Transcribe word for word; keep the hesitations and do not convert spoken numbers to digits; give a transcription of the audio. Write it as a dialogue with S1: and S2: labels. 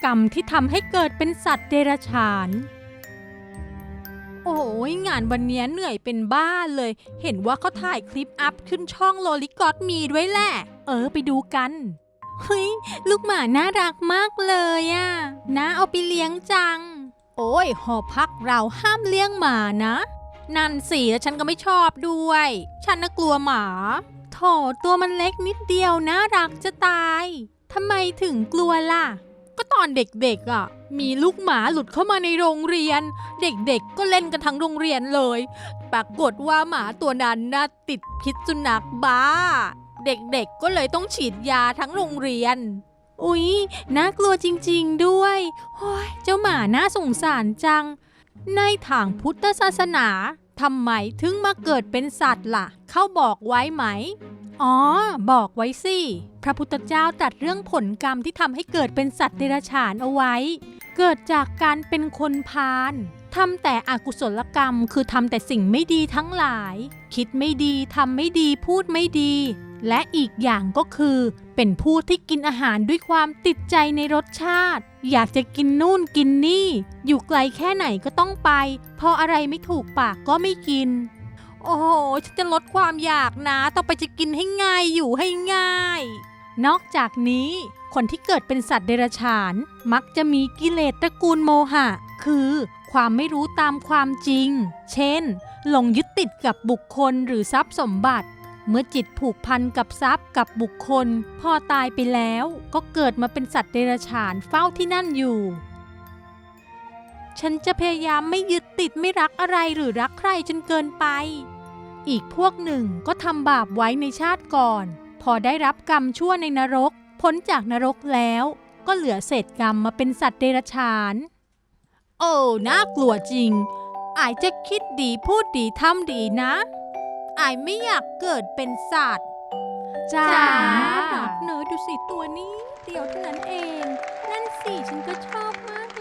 S1: กรรมที่ทำให้เกิดเป็นสัตว์เดรัจฉานโอ้ยงานวันนี้เหนื่อยเป็นบ้าเลย เห็นว่าเขาถ่ายคลิปอัพขึ้นช่องโลลิกอตมีด้วยแหละ เออไปดูกัน เฮ้ยลูกหมาน่ารักมากเลยอะน้าเอาไปเลี้ยงจัง โอ้ยหอพักเราห้ามเลี้ยงหมานะ นั่นสิแล้วฉันก็ไม่ชอบด้วย ฉันน่ะกลัวหมาโถตัวมันเล็กนิดเดียวน่ารักจะตายทำไมถึงกลัวล่ะ ก็ตอนเด็กๆอ่ะมีลูกหมาหลุดเข้ามาในโรงเรียน เด็กๆก็เล่นกันทั้งโรงเรียนเลยปรากฏว่าหมาตัวนั้นน่ะติดพิษสุนัขบ้าเด็กๆก็เลยต้องฉีดยาทั้งโรงเรียนอุ๊ยน่ากลัวจริงๆด้วยโอ้ยเจ้าหมาน่าสงสารจังในทางพุทธศาสนาทำไมถึงมาเกิดเป็นสัตว์ล่ะเขาบอกไว้ไหมอ๋อบอกไว้สิพระพุทธเจ้าตรัสเรื่องผลกรรมที่ทำให้เกิดเป็นสัตว์เดรัจฉานเอาไว้เกิดจากการเป็นคนพาลทำแต่อกุศลกรรมคือทำแต่สิ่งไม่ดีทั้งหลายคิดไม่ดีทำไม่ดีพูดไม่ดีและอีกอย่างก็คือเป็นผู้ที่กินอาหารด้วยความติดใจในรสชาติอยากจะกินนู่นกินนี่อยู่ไกลแค่ไหนก็ต้องไปพออะไรไม่ถูกปากก็ไม่กินโอ้โหฉันจะลดความอยากนะต่อไปจะกินให้ง่ายอยู่ให้ง่ายนอกจากนี้คนที่เกิดเป็นสัตว์เดรัจฉานมักจะมีกิเลสตระกูลโมหะคือความไม่รู้ตามความจริงเช่นหลงยึดติดกับบุคคลหรือทรัพย์สมบัติเมื่อจิตผูกพันกับทรัพย์กับบุคคลพอตายไปแล้วก็เกิดมาเป็นสัตว์เดรัจฉานเฝ้าที่นั่นอยู่ฉันจะพยายามไม่ยึดติดไม่รักอะไรหรือรักใครจนเกินไปอีกพวกหนึ่งก็ทำบาปไว้ในชาติก่อนพอได้รับกรรมชั่วในนรกพ้นจากนรกแล้วก็เหลือเศษกรรมมาเป็นสัตว์เดรัจฉานโอ้น่ากลัวจริงอายจะคิดดีพูดดีทำดีนะอายไม่อยากเกิดเป็นสัตว์จ้าหนักเนอะดูสิตัวนี้เดียวเท่านั้นเองนั่นสิฉันก็ชอบมาก